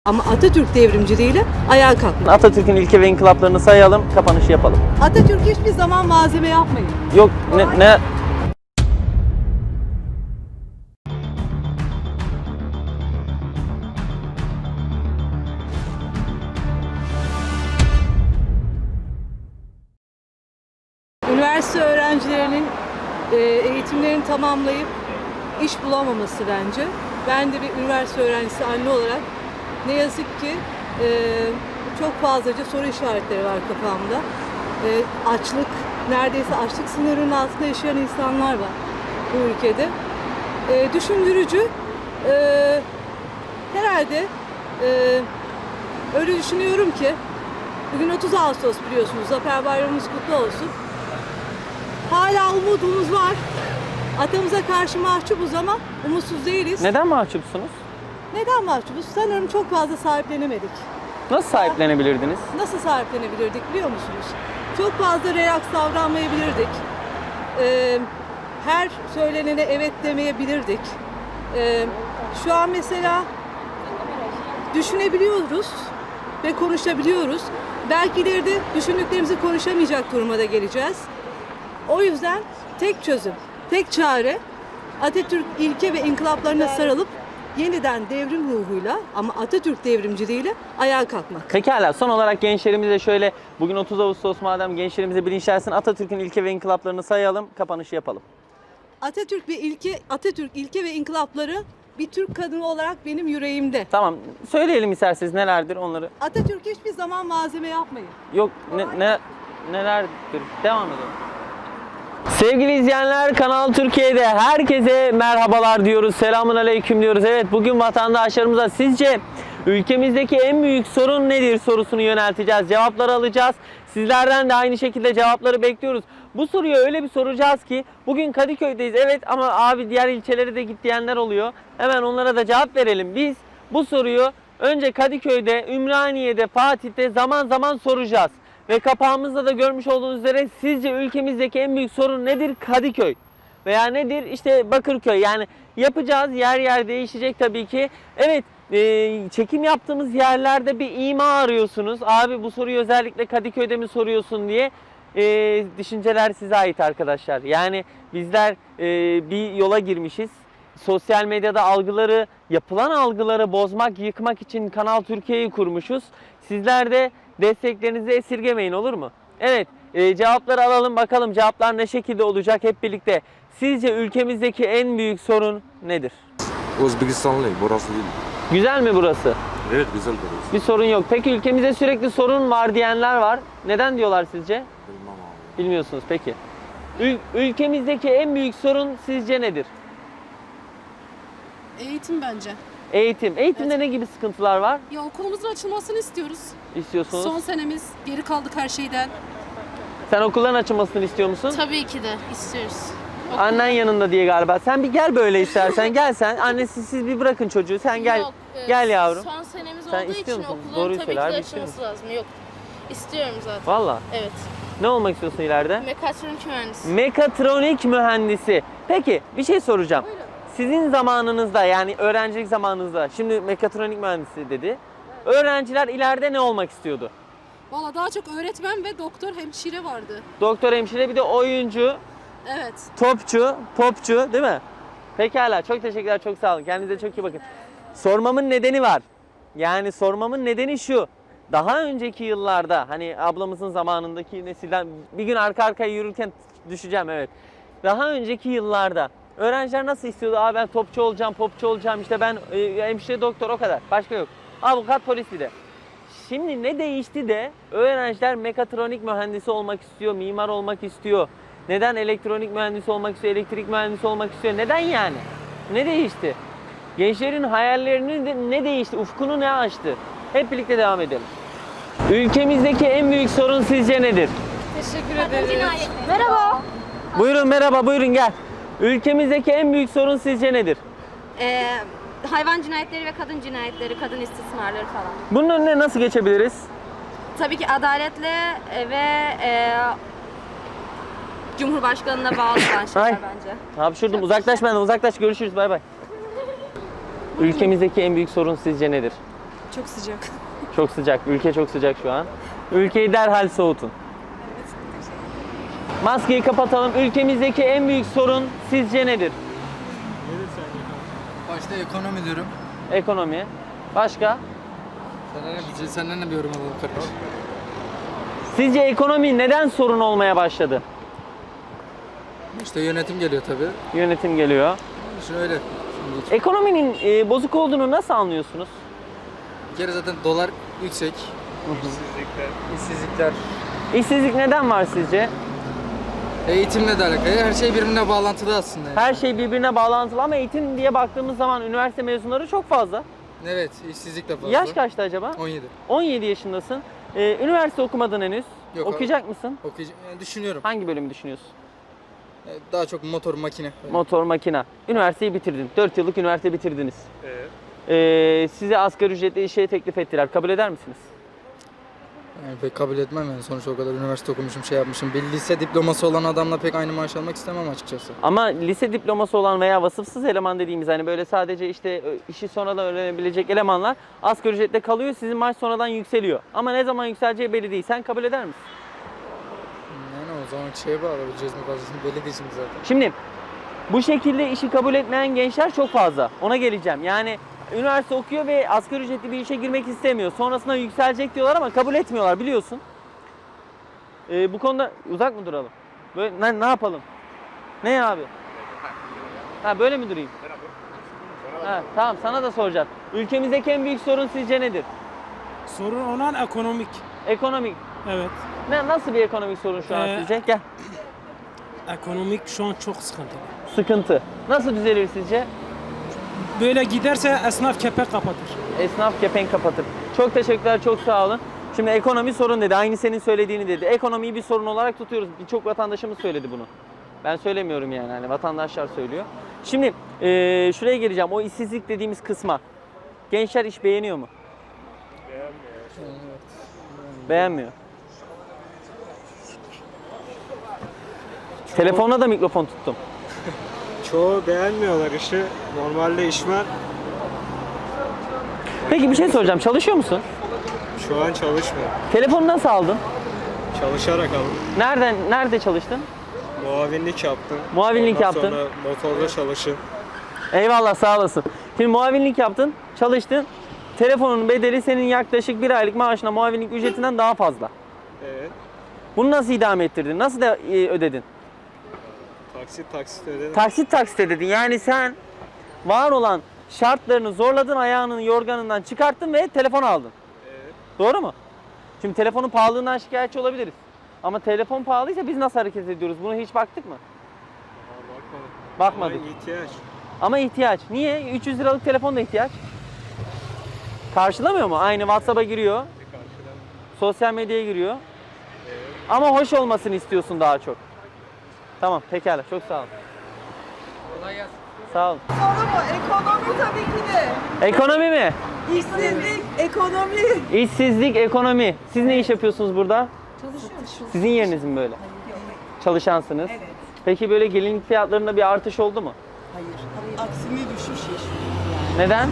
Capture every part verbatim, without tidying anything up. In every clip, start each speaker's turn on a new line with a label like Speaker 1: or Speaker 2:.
Speaker 1: Ama Atatürk devrimciliğiyle ayağa kalkmak.
Speaker 2: Atatürk'ün ilke ve inkılaplarını sayalım, kapanışı yapalım.
Speaker 1: Atatürk hiçbir zaman malzeme yapmayın.
Speaker 2: Yok ne... ne...
Speaker 1: Üniversite öğrencilerinin e, eğitimlerini tamamlayıp iş bulamaması bence. Ben de bir üniversite öğrencisi anne olarak ne yazık ki e, çok fazlaca soru işaretleri var kafamda. E, açlık, neredeyse açlık sınırının altında yaşayan insanlar var bu ülkede. E, düşündürücü. E, herhalde e, öyle düşünüyorum ki bugün otuz Ağustos biliyorsunuz. Zafer Bayramımız kutlu olsun. Hala umudumuz var. Atamıza karşı mahcubuz ama umutsuz değiliz.
Speaker 2: Neden mahcupsunuz?
Speaker 1: Neden mahcubuz? Sanırım çok fazla sahiplenemedik.
Speaker 2: Nasıl sahiplenebilirdiniz?
Speaker 1: Nasıl sahiplenebilirdik biliyor musunuz? Çok fazla relaks davranmayabilirdik. Ee, her söylenene evet demeyebilirdik. Ee, şu an mesela düşünebiliyoruz ve konuşabiliyoruz. Belki ileride düşündüklerimizi konuşamayacak duruma da geleceğiz. O yüzden tek çözüm, tek çare Atatürk ilke ve inkılaplarına sarılıp yeniden devrim ruhuyla ama Atatürk devrimciliğiyle ayağa kalkmak.
Speaker 2: Pekala, son olarak gençlerimize şöyle, bugün otuz Ağustos madem gençlerimize bilinçlensin, Atatürk'ün ilke ve inkılaplarını sayalım, kapanışı yapalım.
Speaker 1: Atatürk ve ilke, Atatürk ilke ve inkılapları bir Türk kadını olarak benim yüreğimde.
Speaker 2: Tamam, söyleyelim isterseniz nelerdir onları.
Speaker 1: Atatürk hiçbir zaman malzeme yapmayın.
Speaker 2: Yok, ne, ne nelerdir? Devam edelim. Sevgili izleyenler, Kanal Türkiye'de herkese merhabalar diyoruz. Selamun aleyküm diyoruz. Evet, bugün vatandaşlarımıza sizce ülkemizdeki en büyük sorun nedir sorusunu yönelteceğiz. Cevapları alacağız. Sizlerden de aynı şekilde cevapları bekliyoruz. Bu soruyu öyle bir soracağız ki bugün Kadıköy'deyiz. Evet ama abi diğer ilçelere de git diyenler oluyor. Hemen onlara da cevap verelim. Biz bu soruyu önce Kadıköy'de, Ümraniye'de, Fatih'te zaman zaman soracağız. Ve kapağımızda da görmüş olduğunuz üzere sizce ülkemizdeki en büyük sorun nedir? Kadıköy. Veya nedir? İşte Bakırköy. Yani yapacağız, yer yer değişecek tabii ki. Evet, e, çekim yaptığımız yerlerde bir ima arıyorsunuz. Abi bu soruyu özellikle Kadıköy'de mi soruyorsun diye e, düşünceler size ait arkadaşlar. Yani bizler e, bir yola girmişiz. Sosyal medyada algıları, yapılan algıları bozmak, yıkmak için Kanal Türkiye'yi kurmuşuz. Sizler de desteklerinizi esirgemeyin, olur mu? Evet, e, cevapları alalım bakalım cevaplar ne şekilde olacak hep birlikte. Sizce ülkemizdeki en büyük sorun nedir?
Speaker 3: Özbekistanlı, burası değil.
Speaker 2: Güzel mi burası?
Speaker 3: Evet, güzel burası.
Speaker 2: Bir sorun yok. Peki ülkemizde sürekli sorun var diyenler var. Neden diyorlar sizce?
Speaker 3: Bilmem abi.
Speaker 2: Bilmiyorsunuz peki. Ül ülkemizdeki en büyük sorun sizce nedir?
Speaker 4: Eğitim bence.
Speaker 2: Eğitim. Eğitimde
Speaker 4: Evet.
Speaker 2: ne gibi sıkıntılar var?
Speaker 4: Ya okulumuzun açılmasını istiyoruz.
Speaker 2: İstiyorsunuz.
Speaker 4: Son senemiz, geri kaldık her şeyden.
Speaker 2: Sen okulların açılmasını istiyor musun?
Speaker 5: Tabii ki de istiyoruz.
Speaker 2: Annen yanında diye galiba. Sen bir gel böyle istersen. Gel sen. Annesi siz bir bırakın çocuğu. Sen gel.
Speaker 5: Yok, e,
Speaker 2: Gel yavrum.
Speaker 5: Son senemiz
Speaker 2: Sen
Speaker 5: olduğu
Speaker 2: istiyor
Speaker 5: için
Speaker 2: musun?
Speaker 5: okulların
Speaker 2: Doğruyu
Speaker 5: tabii
Speaker 2: söyle
Speaker 5: ki
Speaker 2: abi,
Speaker 5: de
Speaker 2: istiyor
Speaker 5: açılması lazım. Yok. İstiyorum zaten.
Speaker 2: Valla.
Speaker 5: Evet.
Speaker 2: Ne olmak istiyorsun ileride?
Speaker 5: Mekatronik mühendisi.
Speaker 2: Mekatronik mühendisi. Peki bir şey soracağım. Sizin zamanınızda yani öğrencilik zamanınızda şimdi mekatronik mühendisi dedi. Öğrenciler ileride ne olmak istiyordu?
Speaker 4: Valla daha çok öğretmen ve doktor, hemşire vardı.
Speaker 2: Doktor, hemşire, bir de oyuncu,
Speaker 4: Evet.
Speaker 2: topçu, popçu değil mi? Pekala, çok teşekkürler, çok sağ olun. Kendinize çok iyi bakın. Sormamın nedeni var. Yani sormamın nedeni şu. Daha önceki yıllarda hani ablamızın zamanındaki nesilden bir gün arka arkaya yürürken düşeceğim, evet. Daha önceki yıllarda öğrenciler nasıl istiyordu? Aa ben topçu olacağım, popçu olacağım, işte ben e, hemşire, doktor, o kadar. Başka yok. Avukat, polis bir de. Şimdi ne değişti de öğrenciler mekatronik mühendisi olmak istiyor, mimar olmak istiyor. Neden elektronik mühendisi olmak istiyor, elektrik mühendisi olmak istiyor? Neden yani? Ne değişti? Gençlerin hayallerini de ne değişti? Ufkunu ne açtı? Hep birlikte devam edelim. Ülkemizdeki en büyük sorun sizce nedir?
Speaker 5: Teşekkür ederiz. Merhaba.
Speaker 2: Buyurun, merhaba, buyurun gel. Ülkemizdeki en büyük sorun sizce nedir?
Speaker 6: Ee, hayvan cinayetleri ve kadın cinayetleri, kadın istismarları falan.
Speaker 2: Bunun önüne nasıl geçebiliriz?
Speaker 6: Tabii ki adaletle e, ve e, Cumhurbaşkanına bağlı olan şeyler
Speaker 2: Ay.
Speaker 6: bence.
Speaker 2: Hapşurdum, uzaklaş benden, uzaklaş, görüşürüz, bay bay. Ülkemizdeki en büyük sorun sizce nedir?
Speaker 7: Çok sıcak.
Speaker 2: Çok sıcak. Ülke çok sıcak şu an. Ülkeyi derhal soğutun. Maskeyi kapatalım. Ülkemizdeki en büyük sorun sizce nedir?
Speaker 8: Başta ekonomi diyorum.
Speaker 2: Ekonomi. Başka?
Speaker 8: Senden ne, senden ne bir yorum alalım kardeş?
Speaker 2: Sizce ekonomi neden sorun olmaya başladı?
Speaker 8: İşte yönetim geliyor tabii.
Speaker 2: Yönetim geliyor.
Speaker 8: Şimdi öyle. Şimdi
Speaker 2: Ekonominin e, bozuk olduğunu nasıl anlıyorsunuz?
Speaker 8: bir kere zaten dolar yüksek. İşsizlikler. İşsizlikler.
Speaker 2: İşsizlik neden var sizce?
Speaker 8: Eğitimle de alakalı. Her şey birbirine bağlantılı aslında. yani.
Speaker 2: Her şey birbirine bağlantılı ama eğitim diye baktığımız zaman üniversite mezunları çok fazla.
Speaker 8: Evet, işsizlik de fazla.
Speaker 2: Yaş kaçtı acaba?
Speaker 8: on yedi.
Speaker 2: on yedi yaşındasın. Ee, üniversite okumadın henüz.
Speaker 8: Yok abi.
Speaker 2: Okuyacak mısın?
Speaker 8: Okuyacağım. Yani düşünüyorum.
Speaker 2: Hangi bölümü düşünüyorsun?
Speaker 8: Yani daha çok motor, makine. Öyle.
Speaker 2: Motor, makina. Üniversiteyi bitirdin. dört yıllık üniversite bitirdiniz. Evet. Ee, size asgari ücretli işe teklif ettiler. Kabul eder misiniz?
Speaker 8: Yani pek kabul etmem yani. Sonuçta o kadar üniversite okumuşum, şey yapmışım. Bir lise diploması olan adamla pek aynı maaş almak istemem açıkçası.
Speaker 2: Ama lise diploması olan veya vasıfsız eleman dediğimiz hani böyle sadece işte işi sonradan öğrenebilecek elemanlar asgari ücretle kalıyor. Sizin maaş sonradan yükseliyor. Ama ne zaman yükseleceği belli değil. Sen kabul eder misin?
Speaker 8: Yani o zaman şeye bağlı. Cezmi fazlasını belli değil şimdi zaten.
Speaker 2: Şimdi bu şekilde işi kabul etmeyen gençler çok fazla. Ona geleceğim. Yani üniversite okuyor ve asgari ücretli bir işe girmek istemiyor. Sonrasında yükselecek diyorlar ama kabul etmiyorlar biliyorsun. Ee, bu konuda uzak mı duralım? Böyle ne, ne yapalım? Ne abi? Ha böyle mi durayım? Ha, tamam sana da soracağım. Ülkemizdeki en büyük sorun sizce nedir?
Speaker 9: Sorun olan ekonomik.
Speaker 2: Ekonomik.
Speaker 9: Evet.
Speaker 2: Ne nasıl bir ekonomik sorun şu an
Speaker 9: Ee,
Speaker 2: sizce? Gel.
Speaker 9: Ekonomik şu an çok sıkıntılı.
Speaker 2: Sıkıntı. Nasıl düzelir sizce?
Speaker 9: Böyle giderse esnaf kepek kapatır.
Speaker 2: Esnaf kepenk kapatır. Çok teşekkürler, çok sağ olun. Şimdi ekonomi sorun dedi. Aynı senin söylediğini dedi. Ekonomiyi bir sorun olarak tutuyoruz. Birçok vatandaşımız söyledi bunu. Ben söylemiyorum yani. Hani vatandaşlar söylüyor. Şimdi eee, şuraya geleceğim. O işsizlik dediğimiz kısma. Gençler iş beğeniyor mu? Beğenmiyor. Beğenmiyor. Telefonla da mikrofon tuttum.
Speaker 10: Çoğu beğenmiyorlar işi. Normalde iş var.
Speaker 2: Peki bir şey soracağım. Çalışıyor musun?
Speaker 10: Şu an çalışmıyor.
Speaker 2: Telefonu nasıl aldın?
Speaker 10: Çalışarak aldım.
Speaker 2: Nereden nerede çalıştın?
Speaker 10: Muavinlik yaptım.
Speaker 2: Muavinlik
Speaker 10: Ondan
Speaker 2: yaptın.
Speaker 10: sonra motorda çalışın.
Speaker 2: Eyvallah sağ olasın. Şimdi muavinlik yaptın, çalıştın. Telefonun bedeli senin yaklaşık bir aylık maaşına muavinlik ücretinden daha fazla.
Speaker 10: Evet.
Speaker 2: Bunu nasıl idame ettirdin? Nasıl da e, ödedin?
Speaker 10: Taksit taksit ödedim.
Speaker 2: Taksit taksit ödedin. Yani sen var olan şartlarını zorladın, ayağının yorganından çıkarttın ve telefon aldın.
Speaker 10: Evet.
Speaker 2: Doğru mu? Şimdi telefonun pahalılığından şikayetçi olabiliriz. Ama telefon pahalıysa biz nasıl hareket ediyoruz? Buna hiç baktık mı?
Speaker 10: Aa, bakmadım.
Speaker 2: Bakmadık.
Speaker 10: Ama ihtiyaç.
Speaker 2: Ama ihtiyaç. Niye? üç yüz liralık telefon da ihtiyaç. Karşılamıyor mu? Aynı WhatsApp'a giriyor.
Speaker 10: Karşıdan.
Speaker 2: Sosyal medyaya giriyor.
Speaker 10: Evet.
Speaker 2: Ama hoş olmasını istiyorsun daha çok. Tamam pekala. Çok sağ ol.
Speaker 8: Kolay gelsin.
Speaker 2: Sağ ol.
Speaker 7: Soru mu? Ekonomi tabii ki de.
Speaker 2: Ekonomi mi?
Speaker 7: İşsizlik, ekonomi.
Speaker 2: İşsizlik, ekonomi. Siz ne iş yapıyorsunuz burada?
Speaker 7: Çalışıyoruz.
Speaker 2: Sizin yeriniz mi böyle? Çalışansınız.
Speaker 7: Evet.
Speaker 2: Peki böyle gelinlik fiyatlarında bir artış oldu mu?
Speaker 7: Hayır. Aksine düşüş yaşıyoruz.
Speaker 2: Neden?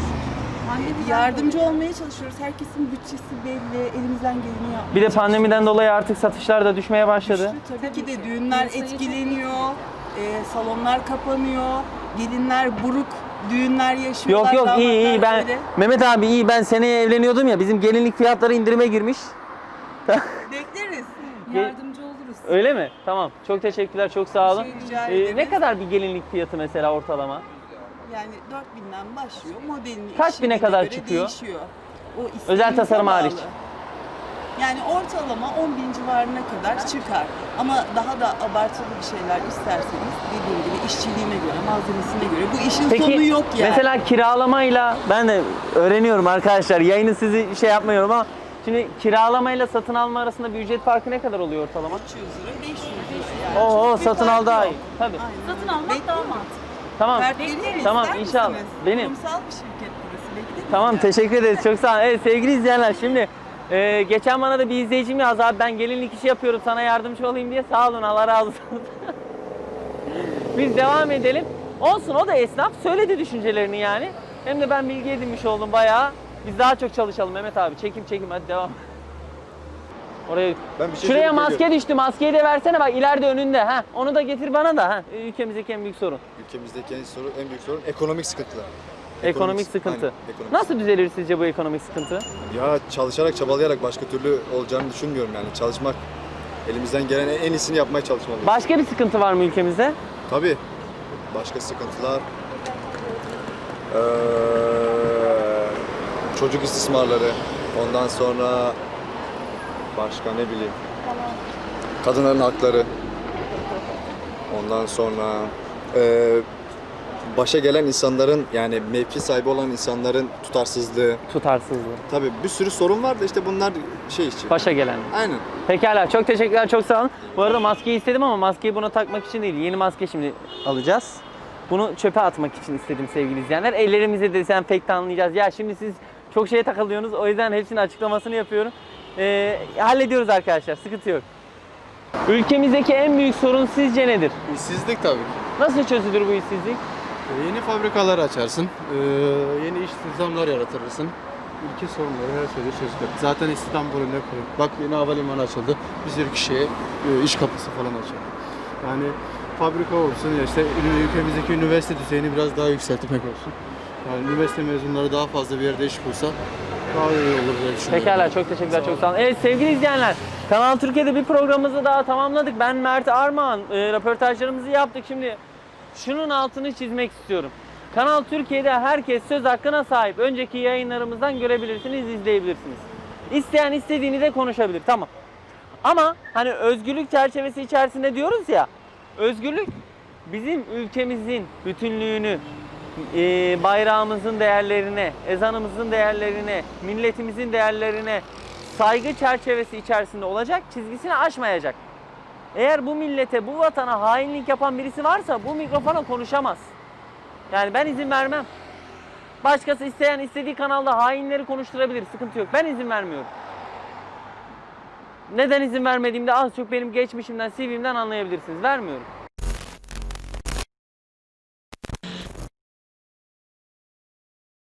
Speaker 7: Yardımcı olmaya çalışıyoruz. Herkesin bütçesi belli. Elimizden geleni yapmaya
Speaker 2: Bir de pandemiden dolayı artık satışlar da düşmeye başladı.
Speaker 7: Tabii ki de düğünler etkileniyor. E, salonlar kapanıyor. Gelinler buruk düğünler yaşıyorlar.
Speaker 2: Yok yok iyi iyi
Speaker 7: damatlar
Speaker 2: ben
Speaker 7: böyle.
Speaker 2: Mehmet abi iyi ben seneye evleniyordum ya bizim gelinlik fiyatları indirime girmiş.
Speaker 7: Bekleriz.
Speaker 4: Yardımcı oluruz.
Speaker 2: Öyle mi? Tamam. Çok teşekkürler. Çok sağ olun.
Speaker 7: Şey rica
Speaker 2: Ee,
Speaker 7: ederiz.
Speaker 2: ne kadar bir gelinlik fiyatı mesela ortalama?
Speaker 7: Yani dört binden başlıyor. Modelini
Speaker 2: Kaç
Speaker 7: işçiliğine
Speaker 2: bine kadar
Speaker 7: göre
Speaker 2: çıkıyor?
Speaker 7: Değişiyor. O
Speaker 2: Özel
Speaker 7: istediğinize
Speaker 2: tasarım
Speaker 7: bağlı.
Speaker 2: hariç.
Speaker 7: Yani ortalama on bin civarına kadar çıkar. Ama daha da abartılı bir şeyler isterseniz dediğim gibi işçiliğine göre, malzemesine göre. Bu işin
Speaker 2: Peki
Speaker 7: sonu yok yani.
Speaker 2: mesela kiralamayla ben de öğreniyorum arkadaşlar. Yayını sizi şey yapmıyorum ama şimdi kiralamayla satın alma arasında bir ücret farkı ne kadar oluyor ortalama?
Speaker 7: üç yüz lira, beş yüz lira yani.
Speaker 2: Oo
Speaker 7: Çok bir
Speaker 2: satın
Speaker 7: fark
Speaker 2: al daha
Speaker 7: yok.
Speaker 2: iyi. Tabii.
Speaker 7: Aynen.
Speaker 4: Satın almak daha mantıklı.
Speaker 2: Tamam.
Speaker 7: Kart vereyim mi?
Speaker 2: Tamam
Speaker 7: İster
Speaker 2: inşallah.
Speaker 7: misiniz?
Speaker 2: Benim.
Speaker 7: Kurumsal bir şirket burası. Bekleyin.
Speaker 2: Tamam teşekkür ederiz. Çok sağ olun. Evet sevgili izleyenler şimdi e, geçen bana da bir izleyicim yazdı abi ben gelinlik işi yapıyorum sana yardımcı olayım diye. Sağ olun Allah razı olsun. Biz devam edelim. Olsun o da esnaf. Söyledi düşüncelerini yani. Hem de ben bilgi edinmiş oldum bayağı. Biz daha çok çalışalım Mehmet abi. Çekim çekim hadi devam. Oraya
Speaker 11: Ben bir şey
Speaker 2: Şuraya
Speaker 11: söyleyip
Speaker 2: maske
Speaker 11: geliyorum.
Speaker 2: düştü. Maskeyi de versene bak ileride önünde. Ha, onu da getir bana da. Ha. Ülkemizdeki en büyük sorun.
Speaker 11: Ülkemizdeki en, sorun, en büyük sorun ekonomik sıkıntılar.
Speaker 2: Ekonomik sıkıntı.
Speaker 11: Aynen, ekonomik
Speaker 2: Nasıl düzelir sizce bu ekonomik sıkıntı?
Speaker 11: Ya çalışarak, çabalayarak başka türlü olacağını düşünmüyorum yani. Çalışmak, elimizden gelen en iyisini yapmaya çalışmalıyız.
Speaker 2: Başka bir sıkıntı var mı ülkemizde?
Speaker 11: Tabii. Başka sıkıntılar. Ee, çocuk istismarları. Ondan sonra başka ne bileyim. Kadınların hakları. Ondan sonra e, başa gelen insanların yani mevki sahibi olan insanların tutarsızlığı.
Speaker 2: Tutarsızlığı.
Speaker 11: Tabii bir sürü sorun var da işte bunlar şey için.
Speaker 2: Başa gelen.
Speaker 11: Aynen.
Speaker 2: Pekala çok teşekkürler çok sağ olun. Bu arada maskeyi istedim ama maskeyi buna takmak için değil. Yeni maske şimdi alacağız. Bunu çöpe atmak için istedim sevgili izleyenler. Ellerimizi dezenfektanlayacağız. Ya şimdi siz çok şeye takılıyorsunuz. O yüzden hepsinin açıklamasını yapıyorum. Ee, hallediyoruz arkadaşlar. Sıkıntı yok. Ülkemizdeki en büyük sorun sizce nedir?
Speaker 12: İşsizlik tabii ki.
Speaker 2: Nasıl çözülür bu işsizlik?
Speaker 12: Ee, Yeni fabrikalar açarsın, ee, yeni iş istihdamlar yaratırırsın. Ülke sorunları her şeyde çözülür. Zaten istihdam problemi kurulur. Bak yeni havalimanı açıldı. Bir sürü kişiye e, iş kapısı falan açıldı. Yani fabrika olsun ya işte ül- ülkemizdeki üniversite düzeyini biraz daha yükseltmek olsun. Yani üniversite mezunları daha fazla bir yerde iş bulsa daha iyi olur diye düşünüyorum.
Speaker 2: Pekala çok teşekkürler çok sağ olun. Evet sevgili izleyenler Kanal Türkiye'de bir programımızı daha tamamladık. Ben Mert Armağan. E, röportajlarımızı yaptık. Şimdi şunun altını çizmek istiyorum. Kanal Türkiye'de herkes söz hakkına sahip. Önceki yayınlarımızdan görebilirsiniz, izleyebilirsiniz. İsteyen istediğini de konuşabilir. Tamam. Ama hani özgürlük çerçevesi içerisinde diyoruz ya. Özgürlük bizim ülkemizin bütünlüğünü, e, bayrağımızın değerlerine, ezanımızın değerlerine, milletimizin değerlerine saygı çerçevesi içerisinde olacak, çizgisini aşmayacak. Eğer bu millete, bu vatana hainlik yapan birisi varsa bu mikrofona konuşamaz. Yani ben izin vermem. Başkası isteyen istediği kanalda hainleri konuşturabilir, sıkıntı yok. Ben izin vermiyorum. Neden izin vermediğimde az çok benim geçmişimden, C V'mden anlayabilirsiniz. Vermiyorum.